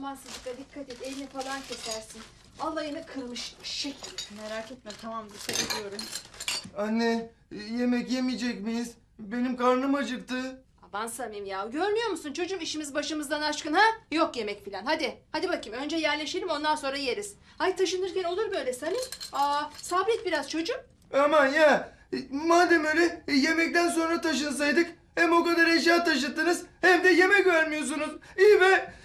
Aman Sıdıka dikkat et, elini falan kesersin. Alayını kırmış eşek. Merak etme, tamam, dikkat ediyorum. Anne, yemek yemeyecek miyiz? Benim karnım acıktı. Aman Samim ya, görmüyor musun çocuğum, işimiz başımızdan aşkın ha? Yok yemek filan, hadi bakayım, önce yerleşelim, ondan sonra yeriz. Ay taşınırken olur böyle Samim. Sabret biraz çocuğum. Aman ya, madem öyle yemekten sonra taşınsaydık, hem o kadar eşya taşıttınız hem de yemek vermiyorsunuz. İyi be.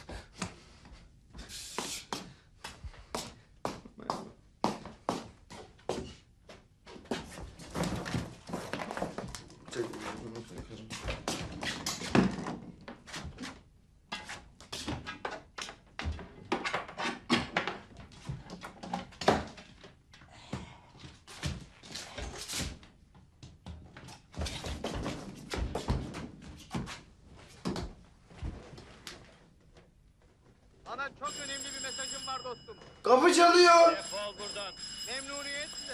Sana çok önemli bir mesajım var dostum. Kapı çalıyor. Defol buradan. Memnuniyetle.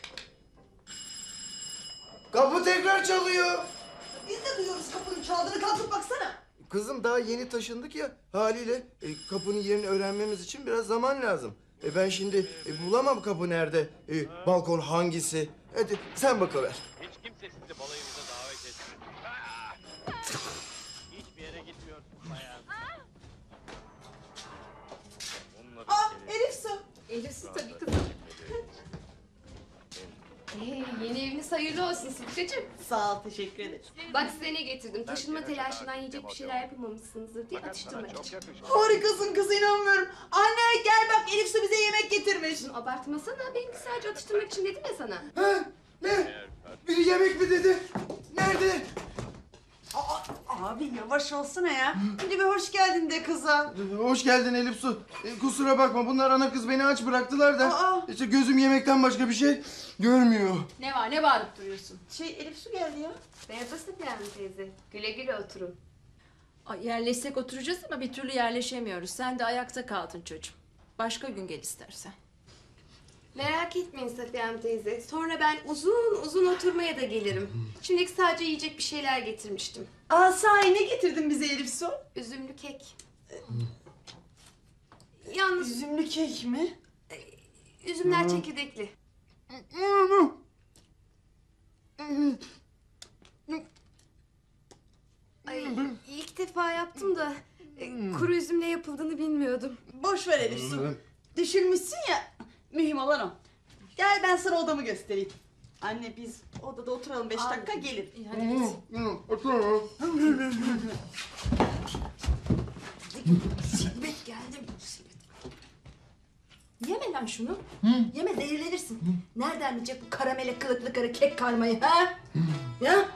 Kapı tekrar çalıyor. Biz de duyuyoruz kapının çaldığını, kalkıp baksana. Kızım daha yeni taşındık ya, haliyle kapının yerini öğrenmemiz için biraz zaman lazım. Ben şimdi bulamam kapı nerede, balkon hangisi. Hadi sen bakıver. Hiç kimse sizi balayımıza davet etmiyor. Hiçbir yere gitmiyorsun bayan. Elif Su. Elif Su tabii kızım. Yeni eviniz hayırlı olsun Sıdıkacığım. Sağ ol, teşekkür ederim. Bak size ne getirdim. Taşınma telaşından yiyecek bir şeyler yapamamışsınızdır diye atıştırmak için. Harikasın kız, inanmıyorum. Anne gel bak, Elif Su bize yemek getirmiş. Abartmasana, benimki sadece atıştırmak için dedim ya sana. Ha? Ne? Biri yemek mi dedi? Nerede? Abi yavaş olsana ya. Hadi bir hoş geldin de kıza. Hoş geldin Elif Su. Kusura bakma, bunlar ana kız beni aç bıraktılar da. Aa. İşte gözüm yemekten başka bir şey görmüyor. Ne var, ne bağırıp duruyorsun? Elif Su geldi ya. Merhaba Sıdıka teyze. Güle güle oturun. Ay, yerleşsek oturacağız ama bir türlü yerleşemiyoruz. Sen de ayakta kaldın çocuğum. Başka gün gel istersen. Merak etmeyin Safiye Hanım teyze. Sonra ben uzun uzun oturmaya da gelirim. Şimdilik sadece yiyecek bir şeyler getirmiştim. Sahi ne getirdin bize Elif Su? Üzümlü kek. Yalnız Üzümlü kek mi? üzümler çekirdekli. Ay, ilk defa yaptım da kuru üzümle yapıldığını bilmiyordum. Boş ver Elif Su. Düşünmüşsün ya. Mühim olan o. Gel ben sana odamı göstereyim. Anne biz odada oturalım 5 dakika, gelir. İyi, hadi git. Musibet geldi musibet. Yeme lan şunu. Yeme, zehirlenirsin. Nereden bilecek bu karamele kılıklı karı kek karmayı ha? Ya?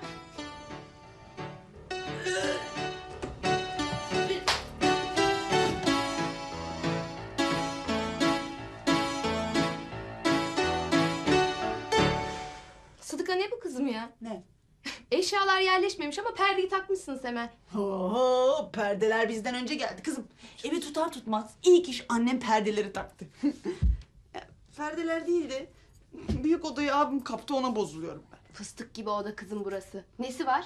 Sıdıka ne bu kızım ya? Ne? Eşyalar yerleşmemiş ama perdeyi takmışsınız hemen. Oo, perdeler bizden önce geldi kızım. Evi tutar tutmaz ilk iş annem perdeleri taktı. Perdeler değildi. Büyük odayı abim kaptı, ona bozuluyorum ben. Fıstık gibi oda kızım burası. Nesi var?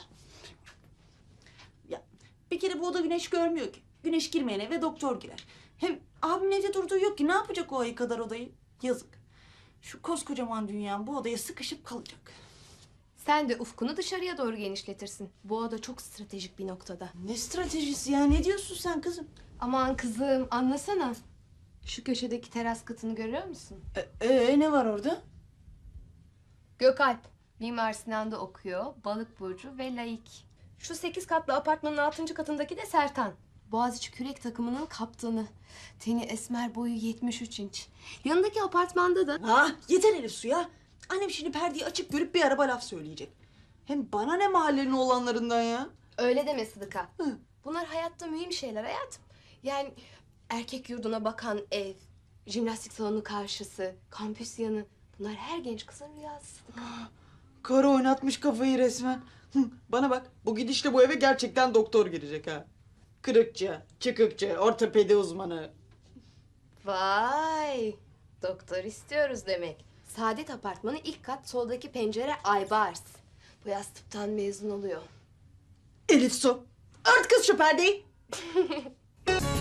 Ya bir kere bu oda güneş görmüyor ki. Güneş girmeyen eve doktor girer. Hem abimin evde durduğu yok ki, ne yapacak o ayı kadar odayı? Yazık. Şu koskocaman dünyam bu odaya sıkışıp kalacak. Sen de ufkunu dışarıya doğru genişletirsin. Bu oda çok stratejik bir noktada. Ne stratejisi ya, ne diyorsun sen kızım? Aman kızım anlasana. Şu köşedeki teras katını görüyor musun? Ne var orada? Gökalp. Mimar Sinan'da okuyor. Balık burcu ve laik. Şu 8 katlı apartmanın 6. katındaki de Sertan. Boğaziçi kürek takımının kaptanı. Teni esmer, boyu 73 inç. Yanındaki apartmanda da... Yeter Elif Su ya. Annem şimdi perdeyi açıp görüp bir araba laf söyleyecek. Hem bana ne mahallenin oğlanlarından ya? Öyle deme Sıdıka. Hı. Bunlar hayatta mühim şeyler hayatım. Yani erkek yurduna bakan ev, jimnastik salonu karşısı, kampüs yanı. Bunlar her genç kızın rüyası Sıdıka. Karı oynatmış kafayı resmen. Bana bak, bu gidişle bu eve gerçekten doktor girecek ha. Kırıkçı, çıkıkçı, ortopedi uzmanı. Vay! Doktor istiyoruz demek. Saadet Apartmanı ilk kat, soldaki pencere Aybars. Bu yaz tıptan mezun oluyor. Elif Su, ört kız şu perdeyi.